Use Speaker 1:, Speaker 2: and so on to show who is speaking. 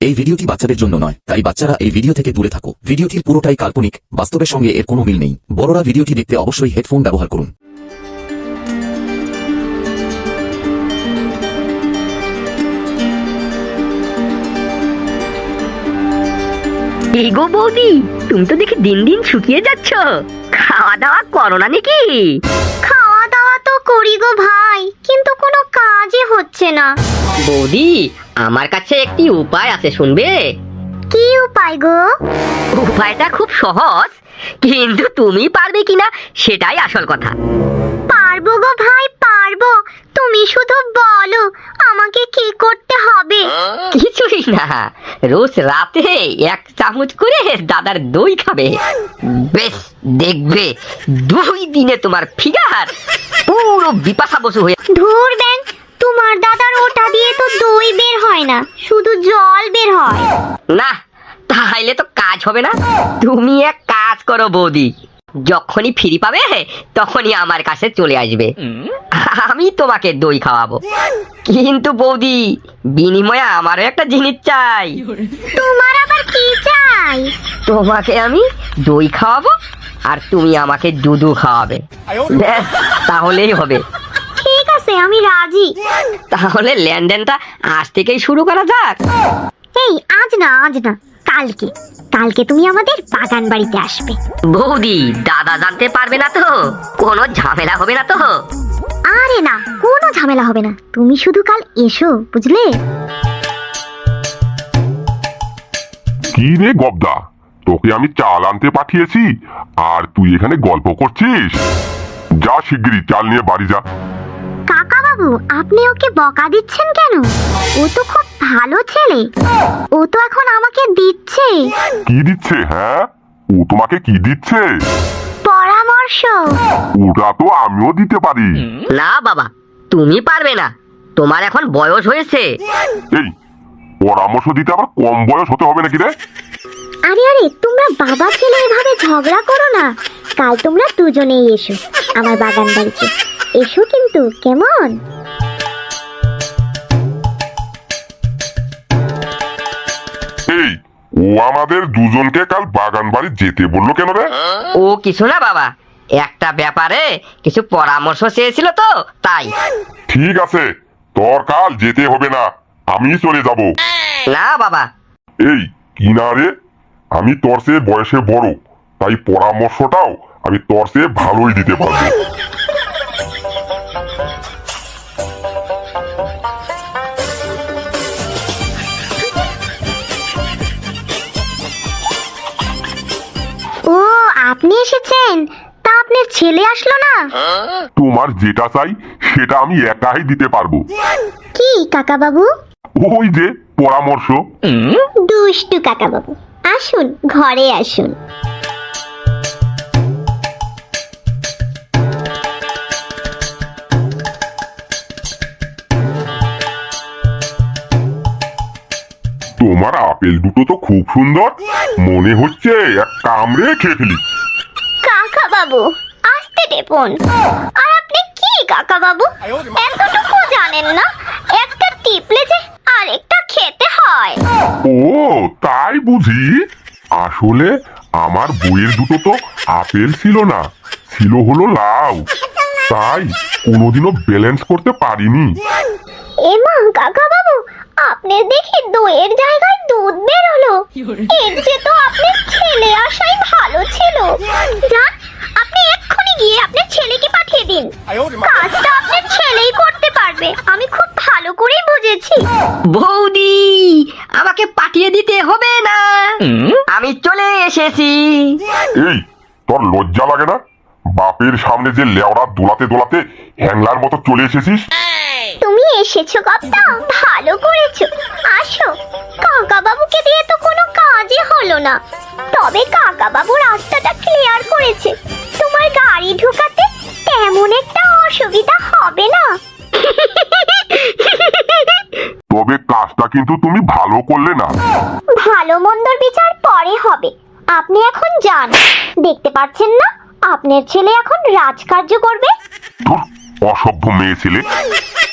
Speaker 1: এই ভিডিওটি বাচ্চাদের জন্য নয়, তাই বাচ্চারা এই ভিডিও থেকে দূরে থাকো। ভিডিওটির পুরোটাই কাল্পনিক, বাস্তবের সঙ্গে এর কোনো মিল নেই। বড়রা ভিডিওটি দেখতে অবশ্যই হেডফোন ব্যবহার করুন।
Speaker 2: এই গো বৌদি, তুমি তো দেখি দিন দিন শুকিয়ে যাচ্ছ। খাওয়া দাওয়া করো না নাকি?
Speaker 3: খাওয়া দাওয়া তো করি গো ভাই, কিন্তু কোনো কাজই হচ্ছে না।
Speaker 2: বৌদি, আমার কাছে একটি উপায় আছে, শুনবে?
Speaker 3: কি উপায় গো?
Speaker 2: উপায়টা খুব সহজ, কিন্তু তুমি পারবে কিনা সেটাই আসল কথা।
Speaker 3: পারবো গো ভাই, পারবো। তুমি শুধু বলো আমাকে কি করতে হবে।
Speaker 2: কিছুই না, রোজ রাতে 1 চামচ করে দাদার দই খাবে। বেশ, দেখবে 2 দিনে তোমার ফিগার পুরো বিপাশা বসু হয়ে।
Speaker 3: ধুর ব্যাং, তোমার দাদার ওটা দিয়ে তো দই বের হয় না, শুধু জল বের হয়।
Speaker 2: না, তাহলে তো কাজ হবে না। তুমি এক কাজ করো বৌদি, যখনই ফ্রি পাবে তখনই আমার কাছে চলে আসবে, আমি তোমাকে দই খাওয়াবো। কিন্তু বৌদি, বিনিময়ে আমারও একটা জিনিস চাই।
Speaker 3: তোমার আবার কি চাই?
Speaker 2: তোমাকে আমি দই খাওয়াবো আর তুমি আমাকে দুধু খাওয়াবে। ব্যাস, তাহলেই হবে।
Speaker 3: ঠিক আছে, আমি রাজি।
Speaker 2: তাহলে লেনদেনটা আজ থেকেই শুরু করা যাক।
Speaker 3: এই আজ না, আজ না, কালকে। কালকে তুমি আমাদের বাগান বাড়িতে আসবে।
Speaker 2: বৌদি, দাদা জানতে পারবে না তো? কোনো ঝামেলা হবে না তো?
Speaker 3: আরে না, কোনো ঝামেলা হবে না, তুমি শুধু কাল এসো, বুঝলে?
Speaker 4: কি রে গবদা, তোকে আমি চাল আনতে পাঠিয়েছি আর তুই এখানে গল্প করছিস? যা শিগগিরই চাল নিয়ে বাড়ি যা।
Speaker 3: কাকা বাবু, আপনি ওকে বকা দিচ্ছেন কেন? ও তো খুব ভালো ছেলে, ও তো এখন আমাকে দিচ্ছে।
Speaker 4: কি দিচ্ছে? হ্যাঁ, ও তোমাকে কি দিচ্ছে?
Speaker 3: পরামর্শ।
Speaker 4: ওটা তো আমিও দিতে পারি।
Speaker 2: না বাবা, তুমি পারবে না, তোমার এখন বয়স হয়েছে।
Speaker 4: এই পরামর্শ দিতে আবার কম বয়স হতে হবে নাকি রে?
Speaker 3: আরে আরে, তোমরা বাবা ছেলে এভাবে ঝগড়া করো না। কাল তোমরা দুজনেই এসো আমার বাগান বাড়িতে, এসো কিন্তু, কেমন?
Speaker 4: এই, ও আমাদের দুজনকে কাল বাগান বাড়ি যেতে বললো কেন রে?
Speaker 2: ও কিছু না বাবা, একটা ব্যাপারে কিছু পরামর্শ চেয়েছিল তো, তাই।
Speaker 4: ঠিক আছে, তোর কাল যেতে হবে না, আমি চলে যাব।
Speaker 2: না বাবা।
Speaker 4: এই কি না রে, আমি তোর চেয়ে বয়সে বড়, তাই পরামর্শটাও আমি তোর চেয়ে ভালোই দিতে পারবো।
Speaker 3: ও, আপনি এসেছেন? তা আপনার ছেলে আসলো না?
Speaker 4: তোমার যেটা চাই সেটা আমি একাই দিতে পারবো।
Speaker 3: কি কাকা বাবু?
Speaker 4: ওই যে পরামর্শ।
Speaker 3: দুষ্টু কাকা বাবু, আসুন ঘরে আসুন।
Speaker 4: তোমার আপেল দুটো তো খুব সুন্দর, মনে হচ্ছে এক কামড়ে খেয়ে ফেলি।
Speaker 3: কাকা বাবু, আসতে দেবুন। আর আপনি কি কাকা বাবু, এতটুকু জানেন না? একটা টিপলে যে আরেকটা খেতে হয়।
Speaker 4: ও তাই বুঝি? আসলে আমার বইয়ের দুটো তো আপেল ছিল না, ছিল হলো লাউ, তাই কোনোদিনও ব্যালেন্স করতে পারিনি।
Speaker 3: এমা কাকা বাবু, আপনার দেখি দইয়ের জায়গায় দুধ বের হলো। এর যে তো আপনার ছেলে আসাই ভালো ছিল। যান, আপনি এক্ষুনি গিয়ে আপনার ছেলেকে পাঠিয়ে দিন। কাজটা আপনার ছেলেই করতে পারবে, আমি খুব ভালো করেই বুঝেছি।
Speaker 2: বৌদি, আমাকে পাঠিয়ে দিতে হবে না, আমি চলে এসেছি।
Speaker 4: এই, তোর লজ্জা লাগে না? বাপের সামনে যে লেওড়া দোলাতে দোলাতে হ্যাংলার মতো চলে এসেছিস।
Speaker 3: তুমি এসেছো কপ্তা, ভালো করেছো। আসো, কাকা বাবুকে দিয়ে তো কোনো কাজই হলো না। তবে কাকা বাবু রাস্তাটা ক্লিয়ার করেছে, তোমার গাড়ি ঢোকাতে তেমন একটা অসুবিধা হবে না।
Speaker 4: তবে কাজটা কিন্তু তুমি ভালো করলে না।
Speaker 3: ভালো মন্দর বিচার পরে হবে, আপনি এখন যান। দেখতে পাচ্ছেন না আপনার ছেলে এখন রাজকার্য করবে?
Speaker 4: ধুর, অসভ্য মেয়ে ছেলে।